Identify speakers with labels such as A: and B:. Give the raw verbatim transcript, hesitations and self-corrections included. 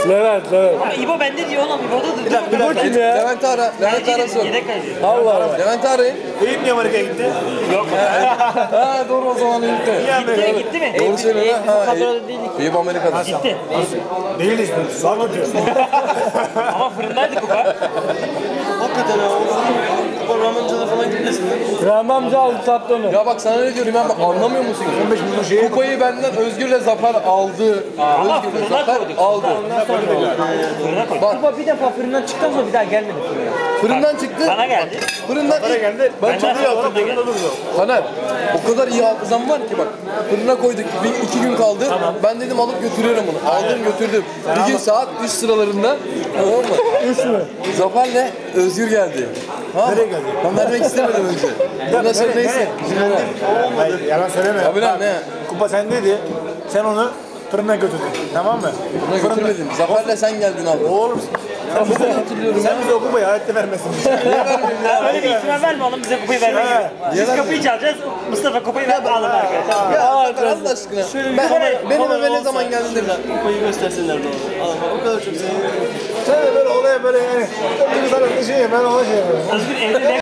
A: Levent, Levent.
B: Ama İbo bende diyor oğlum. İbo'da da.
A: İbo kim ya?
C: Levent ara. Levent arasın.
B: Yedek kaleci.
A: Allah Allah.
C: Levent arayın.
D: Eyüp niye Amerika'ya gitti?
B: Yok.
C: Ha doğru o zaman gitti.
B: Gitti, gitti mi?
C: Doğru söylüyor
B: Bu
C: ha.
B: kadroda değildik.
C: Eyüp Amerika'da.
B: Gitti.
D: Değil işte. Sorma diyor.
B: Ama fırındaydı kupa.
E: Hakikaten ha. Kupa Rahmancı'da falan gitmesin lan.
A: Rahmi amca aldı sattı onu.
C: Ya bak sana ne diyorum ben bak anlamıyor musun?
D: on beş milyon şeye
C: Kupayı benden Özgür'le Zafer aldı.
B: Ama
C: Özgür'le
B: fırına
C: Zafer
B: koyduk.
C: aldı.
B: Fırına koyduk.
C: Bak
F: Kupa bir defa fırından çıktıktan sonra bir daha gelmedi fırına.
C: fırından çıktı.
B: Bana geldi.
C: Fırından
D: Para geldi.
C: ben çok iyi
B: hatırladım.
C: hatırlıyorum. Taner o kadar iyi hafızam var ki bak. Fırına koyduk. Bir, iki gün kaldı. Ben dedim alıp götürüyorum bunu. Aldım götürdüm. Bir gün saat üç sıralarında. Tamam mı?
A: Üç mü?
C: Zafer'le Özgür geldi. Tamam mı?
D: Nereye geldi?
C: Ben vermek istemedim önce. Ondan sonra
D: Nereye,
C: neyse.
D: nereye? Hayır, yalan söyleme.
C: Abi lan ne?
D: Kupa sendeydi. Sen onu fırına götürdün. Tamam mı?
C: Buna götürmedim. Zafer'le sen geldin abi.
D: Oğlum
C: Ben çok iyi hatırlıyorum ya.
D: sen bize o kupayı hayatta vermesin.
B: Ya öyle bir ihtimal verme oğlum bize kupayı vermek
D: Ha.
B: gibi. Biz kapıyı çalacağız. Mustafa kupayı ver alın arkadaşlar.
C: Ya Zafer Allah aşkına. Ben, benim eve ne zaman geldin demiş.
E: Kupayı göstersinler de ona. Adam o kadar çok seviyorum.
D: Sen de böyle olaya böyle yani. Çok duygusal bir şey ben ona şey yapıyorum.
B: Özgür evde